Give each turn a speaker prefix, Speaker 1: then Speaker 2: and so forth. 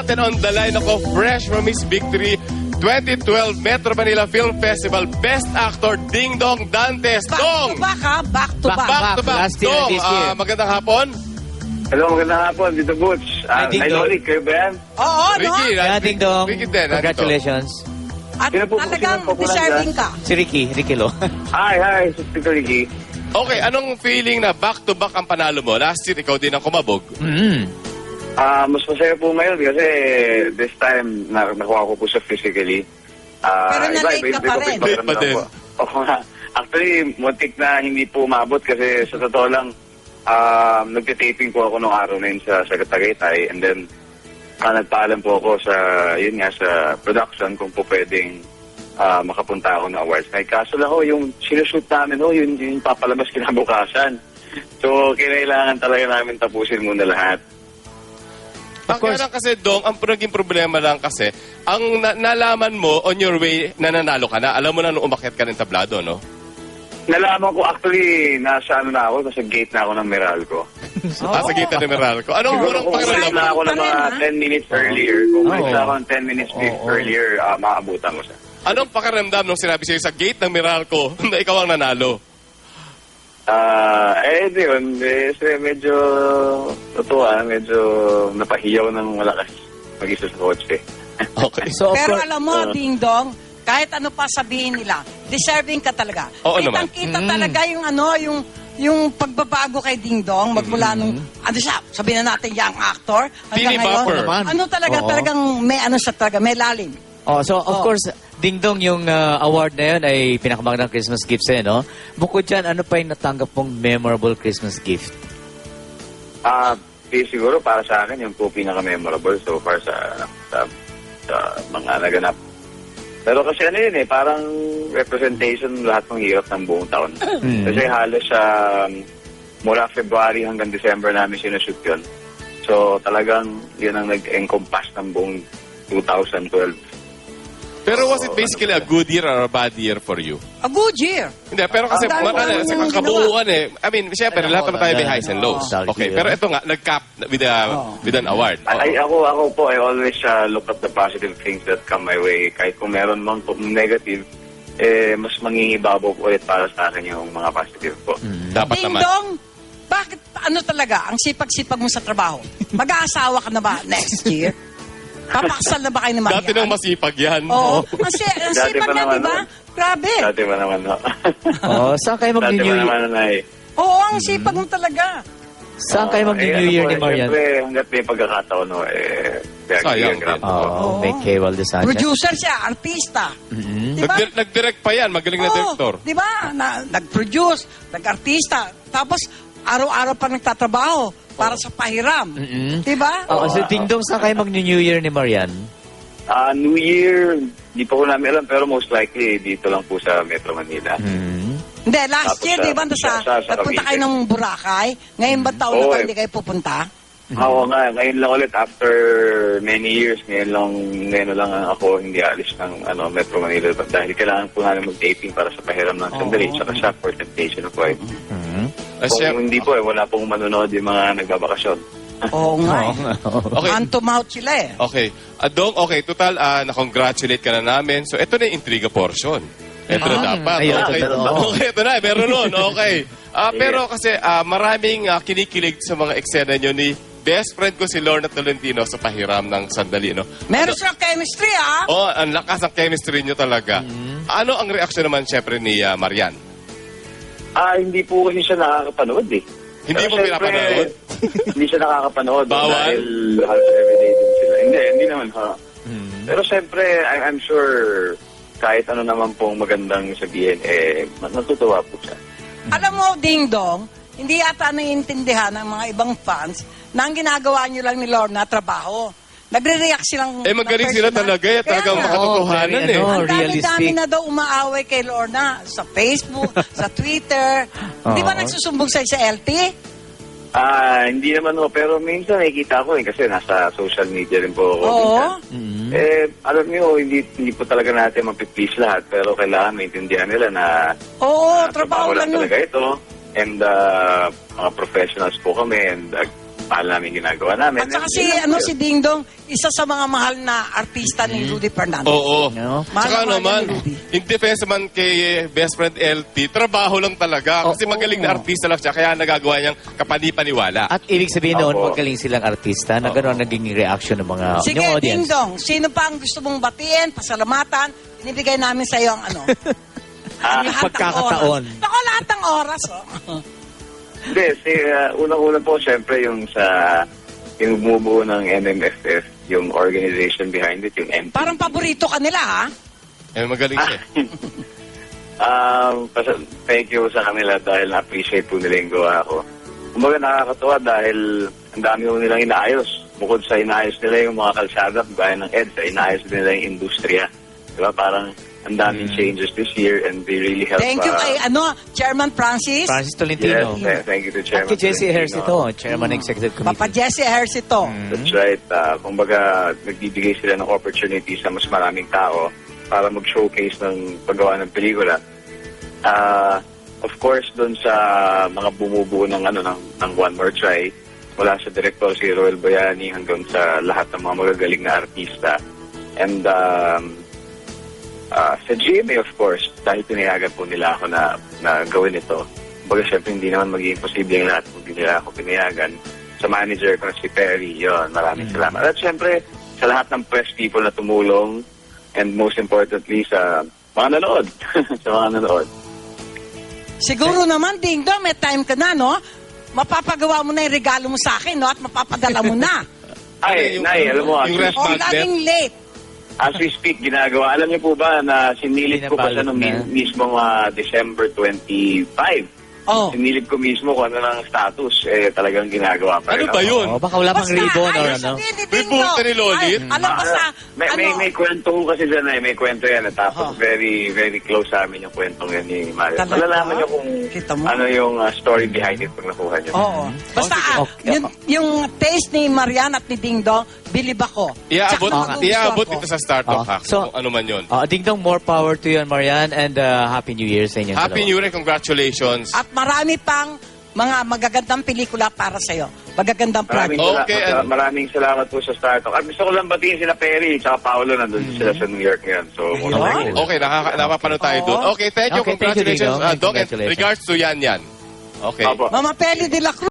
Speaker 1: natin on the line ako, fresh from his victory 2012 Metro Manila Film Festival Best Actor Ding Dong Dantes. Dong!
Speaker 2: Back to back, ha? Back to back.
Speaker 1: Back to back.
Speaker 3: Last year,
Speaker 1: Dong,
Speaker 3: this year.
Speaker 1: magandang hapon.
Speaker 4: Hello, magandang hapon. Dito, Butch.
Speaker 3: Hi, Ding Dong.
Speaker 4: Rick, kayo ba yan?
Speaker 2: Oo, no?
Speaker 1: Ricky,
Speaker 3: Yeah, Ding Dong.
Speaker 1: Ricky din.
Speaker 3: Congratulations.
Speaker 2: At
Speaker 4: Sino po-
Speaker 2: talagang
Speaker 4: sino po po
Speaker 2: deserving ka.
Speaker 3: Si Ricky Lo.
Speaker 4: Hi, Sister Ricky.
Speaker 1: Okay, anong feeling na back to back ang panalo mo? Last year, ikaw din ang kumabog.
Speaker 4: Mas masaya po ngayon kasi this time nakuha ko po siya physically.
Speaker 2: Pero na-late ka pa rin.
Speaker 1: Late pa din.
Speaker 4: Oo nga. Actually, muntik na hindi po umabot kasi sa totoo lang, nagtitaping po ako nung araw na yun sa Tagaytay, and then nagpaalam po ako sa, yun nga, sa production kung po pwedeng makapunta ako ng awards night. Kaso lang yung sinushoot namin, yun papalabas kinabukasan. So, kailangan talaga namin tapusin muna lahat.
Speaker 1: Kaya lang kasi, Dong, ang naging problema lang kasi, ang nalaman mo on your way na nanalo ka na, alam mo na nung umakyat ka ng tablado, no?
Speaker 4: Nalaman ko actually, nasa gate na ako ng Meralco.
Speaker 1: Sa gitna ng Meralco. Anong
Speaker 4: Siguro
Speaker 1: unang
Speaker 4: kung
Speaker 1: pakiramdam
Speaker 4: ulit na ako ng mga 10 minutes earlier, kung ulit na ako ng 10 minutes earlier, maabutan ko siya.
Speaker 1: Anong pakiramdam nung sinabi sa'yo sa gate ng Meralco na ikaw ang nanalo?
Speaker 4: Di yun. Medyo medyo napahiyaw ng malakas mag-isa sa kotse.
Speaker 1: Okay.
Speaker 3: So, of
Speaker 2: Pero
Speaker 3: course,
Speaker 2: alam mo, Ding Dong, kahit ano pa sabihin nila, deserving ka talaga.
Speaker 1: Oo naman.
Speaker 2: Kitang-kita talaga yung pagbabago kay Ding Dong, magmula nung, sabihin na natin, young actor,
Speaker 1: Teeny
Speaker 2: hanggang ngayon.
Speaker 1: bopper.
Speaker 2: Ano talaga,
Speaker 3: Oo.
Speaker 2: talagang may siya talaga, may lalim.
Speaker 3: so of course, Ding Dong, yung award na yun ay pinakamagandang Christmas gift sa'yo, no? Bukod dyan, ano pa yung natanggap mong memorable Christmas gift?
Speaker 4: Siguro para sa akin, yung po pinaka-memorable so far sa mga naganap. Pero kasi parang representation lahat ng hirap ng buong taon. Kasi halos mula February hanggang December namin sinushoot yun. So talagang yun ang nag-encompass ng buong 2012.
Speaker 1: Pero was it basically a good year or a bad year for you?
Speaker 2: A good year.
Speaker 1: Hindi, pero kasi
Speaker 2: Ang dami naman
Speaker 1: sa
Speaker 2: yung
Speaker 1: kabuuan I mean, syempre, lahat naman tayo may highs and lows.
Speaker 3: Oo.
Speaker 1: Okay, pero ito nga, nag-cap with an award.
Speaker 4: Ako po, I always look at the positive things that come my way. Kahit kung meron mang negative, mas mangingibabaw po ulit para sa akin yung mga positive po.
Speaker 1: Dapat
Speaker 2: Ding
Speaker 1: naman.
Speaker 2: Dong, bakit talaga ang sipag-sipag mo sa trabaho? Mag-aasawa ka na ba next year? Papakasal na ba kayo ni Marian?
Speaker 1: Dati nang masipag yan.
Speaker 2: Oo. Ang
Speaker 4: Dati
Speaker 2: sipag
Speaker 4: pa
Speaker 2: niya,
Speaker 4: naman,
Speaker 2: di ba?
Speaker 4: no?
Speaker 2: Grabe.
Speaker 4: Dati pa naman, no?
Speaker 3: Saan kayo
Speaker 4: Dati
Speaker 3: mag-New
Speaker 4: pa
Speaker 3: Year?
Speaker 4: naman, Nay.
Speaker 2: Oo, ang sipag mo talaga.
Speaker 3: Saan kayo mag-New Year ni Marian?
Speaker 4: Siyempre, hanggat may pagkakataon,
Speaker 1: Sayang din.
Speaker 3: May Kay Valdezan.
Speaker 2: Producer siya, artista. Di ba?
Speaker 1: Nag-direct pa yan, magaling na director.
Speaker 2: Di ba? Nag-produce, nag-artista. Tapos, araw-araw pa nagtatrabaho para sa pahiram. Di ba?
Speaker 3: So Ding Dong, saan kayo mag-New Year ni Marian?
Speaker 4: New Year, di pa ko namin alam, pero most likely dito lang po sa Metro Manila.
Speaker 2: Hindi, last
Speaker 4: Tapos
Speaker 2: year,
Speaker 4: sa-
Speaker 2: di ba,
Speaker 4: sa
Speaker 2: nagpunta kayo
Speaker 4: Cavite.
Speaker 2: ng Boracay? Ngayon ba taon na
Speaker 4: Oo,
Speaker 2: ba
Speaker 4: eh.
Speaker 2: hindi kayo pupunta?
Speaker 4: Oo nga, ngayon lang ulit, after many years, ngayon lang ako hindi alis ng Metro Manila dahil kailangan po namin mag-taping para sa pahiram ng sandali, tsaka sa for Temptation of Wife. Kung hindi po, wala pong manonood yung mga nagbabakasyon.
Speaker 2: Oo nga.
Speaker 1: Okay.
Speaker 2: Hand to mouth sila eh.
Speaker 1: Okay. Dong, okay, total, na-congratulate ka na namin. So, ito na yung intriga portion. Ito na dapat.
Speaker 3: Ayun,
Speaker 1: Okay,
Speaker 3: totoo.
Speaker 1: okay, ito na. Meron nun. Okay. Pero kasi maraming kinikilig sa mga eksena nyo ni best friend ko si Lorna Tolentino sa pahiram ng sandali, no?
Speaker 2: Meron silang chemistry, ah.
Speaker 1: Oh, ang lakas ng chemistry nyo talaga. Ano ang reaksyon naman siyempre ni Marian?
Speaker 4: Hindi po kasi siya nakakapanood eh.
Speaker 1: Hindi
Speaker 4: Pero
Speaker 1: mo
Speaker 4: syempre,
Speaker 1: pinapanood?
Speaker 4: Hindi siya nakakapanood.
Speaker 1: Bawal?
Speaker 4: Dahil halos everyday din sila. Hindi naman ha. Pero syempre, I'm sure kahit ano naman pong magandang sabihin, natutuwa po siya.
Speaker 2: Alam mo, Ding Dong, hindi yata naiintindihan ng mga ibang fans na ang ginagawa nyo lang ni Lorna trabaho. Nagre-react silang...
Speaker 1: Magaling
Speaker 2: ng
Speaker 1: sila
Speaker 2: personal.
Speaker 1: talaga. Talagang
Speaker 2: Kaya nga,
Speaker 1: makatotohanan
Speaker 3: very,
Speaker 1: eh.
Speaker 2: ang dami-dami
Speaker 3: realistic.
Speaker 2: na daw umaaway kay Lorna sa Facebook, sa Twitter. Di ba nagsusumbong sa'yo sa LT?
Speaker 4: Hindi naman ho, pero minsan nakikita ko kasi nasa social media rin po ako.
Speaker 2: Oo.
Speaker 4: minsan. Alam niyo, hindi po talaga natin mapiplease lahat, pero kailangan maintindihan nila na
Speaker 2: Oo, trabaho lang yun.
Speaker 4: talaga ito. And mga professionals po kami and mahal namin ginagawa namin.
Speaker 2: At saka
Speaker 4: And
Speaker 2: si,
Speaker 4: yun lang po
Speaker 2: si
Speaker 4: yun.
Speaker 2: Ding Dong, isa sa mga mahal na artista ni Rudy Fernandez.
Speaker 1: Oo.
Speaker 3: No?
Speaker 2: Mahal
Speaker 1: Saka
Speaker 2: na mahal
Speaker 1: naman,
Speaker 2: ni Rudy.
Speaker 1: in defense man kay best friend LT, trabaho lang talaga. Kasi magaling na artista lang siya, kaya nagagawa niyang kapani-paniwala.
Speaker 3: At ibig sabihin noon,
Speaker 4: Opo.
Speaker 3: magaling silang artista na gano'n ang naging reaction ng mga
Speaker 2: Sige,
Speaker 3: yung
Speaker 2: Ding
Speaker 3: audience.
Speaker 2: Dong, sino pa ang gusto mong batiin, pasalamatan, binibigay namin sa iyo ang ano? Ang lahat ng
Speaker 3: pagkakataon.
Speaker 2: oras. Baka lahat ng oras, oh.
Speaker 4: Hindi, unang-una po, syempre, yung yung bumubuo ng MMFF, yung organization behind it, yung MP.
Speaker 2: Parang paborito ka nila, ha?
Speaker 1: Eh, magaling siya.
Speaker 4: Thank you sa kanila dahil na-appreciate po nila yung gawa ko. Kumbaga nakakatuwa dahil ang dami po nilang inaayos. Bukod sa inaayos nila yung mga kalsada, gaya ng EDSA, inaayos nila yung industriya. Diba? Parang ang daming changes this year and they really help.
Speaker 2: Thank you kay, Chairman Francis.
Speaker 3: Francis Tolentino.
Speaker 4: Yes, thank you to
Speaker 3: At
Speaker 4: Chairman.
Speaker 3: kay Jesse
Speaker 4: Tolentino.
Speaker 3: Ejercito, Chairman Executive Committee.
Speaker 2: Papa Jesse Ejercito.
Speaker 4: That's right. Kumbaga, nagbibigay sila ng opportunity sa mas maraming tao para mag-showcase ng paggawa ng pelikula. Of course, doon sa mga bumubuo ng One More Try, mula sa director si Roel Bayani hanggang sa lahat ng mga magagaling na artista. And sa GMA, of course, dahil pinayagan po nila ako na gawin ito. Kumbaga, syempre, hindi naman magiging posible yung lahat kung hindi nila ako pinayagan. Sa manager ko na si Perry, yon, maraming salamat. At syempre, sa lahat ng press people na tumulong, and most importantly, sa mga nanood. Sa mga nanood.
Speaker 2: Siguro naman, Ding Dong, may time ka na, no? Mapapagawa mo na yung regalo mo sa akin, no? At mapapadala mo na.
Speaker 4: Ay, Nay, alam mo,
Speaker 1: yung ref
Speaker 2: O,
Speaker 1: magnet.
Speaker 2: laging late.
Speaker 4: as we speak, ginagawa. Alam niyo po ba na sinilip ko pa siya
Speaker 3: Pinabalot
Speaker 4: noong
Speaker 3: na.
Speaker 4: mismong December 25.
Speaker 2: Oh.
Speaker 4: Sinilip ko mismo kung ano ng status. Talagang ginagawa pa
Speaker 1: Ano
Speaker 4: rin
Speaker 1: ba
Speaker 4: ako.
Speaker 1: yun?
Speaker 3: Oh, baka wala pang ribbon or ano.
Speaker 2: May
Speaker 1: bulta ni Lolit?
Speaker 2: Alam ba sa,
Speaker 4: May kwento ko kasi dyan may kwento yan. Tapos
Speaker 2: Oh.
Speaker 4: very, very close sa amin yung kwentong yan ni Mario.
Speaker 2: Talaga?
Speaker 4: Malalaman niyo kung
Speaker 2: Kita mo?
Speaker 4: ano yung story behind it pag nakuha niyo.
Speaker 2: Oo. Basta,
Speaker 3: Okay.
Speaker 2: yung taste ni Marian at ni Ding Dong, bilib ako.
Speaker 1: Iaabot,
Speaker 2: Tsaka
Speaker 1: iaabot
Speaker 2: magugustuhan
Speaker 1: ito
Speaker 2: ko.
Speaker 1: sa Startup
Speaker 3: Oh.
Speaker 1: Hack.
Speaker 3: So-
Speaker 1: Kung ano man yun.
Speaker 3: Ding Dong, more power to you, Marian, and Happy New Year sa inyo.
Speaker 1: Happy New Year and congratulations.
Speaker 2: At marami pang mga magagandang pelikula para sa'yo. Magagandang project.
Speaker 1: Okay, and-
Speaker 4: Maraming salamat po sa Startup. At gusto ko lang batiin sila Perry at Paolo. Nandun sila sa New York ngayon. So,
Speaker 2: Ayun.
Speaker 1: Okay, napapanood tayo doon. Okay, thank you.
Speaker 3: Okay, thank you, Ding
Speaker 1: Congratulations,
Speaker 3: Dong.
Speaker 1: Doc. And
Speaker 3: Congratulations.
Speaker 1: regards to Yan Yan. Okay.
Speaker 4: Opo.
Speaker 2: Mama Peli de la Cruz.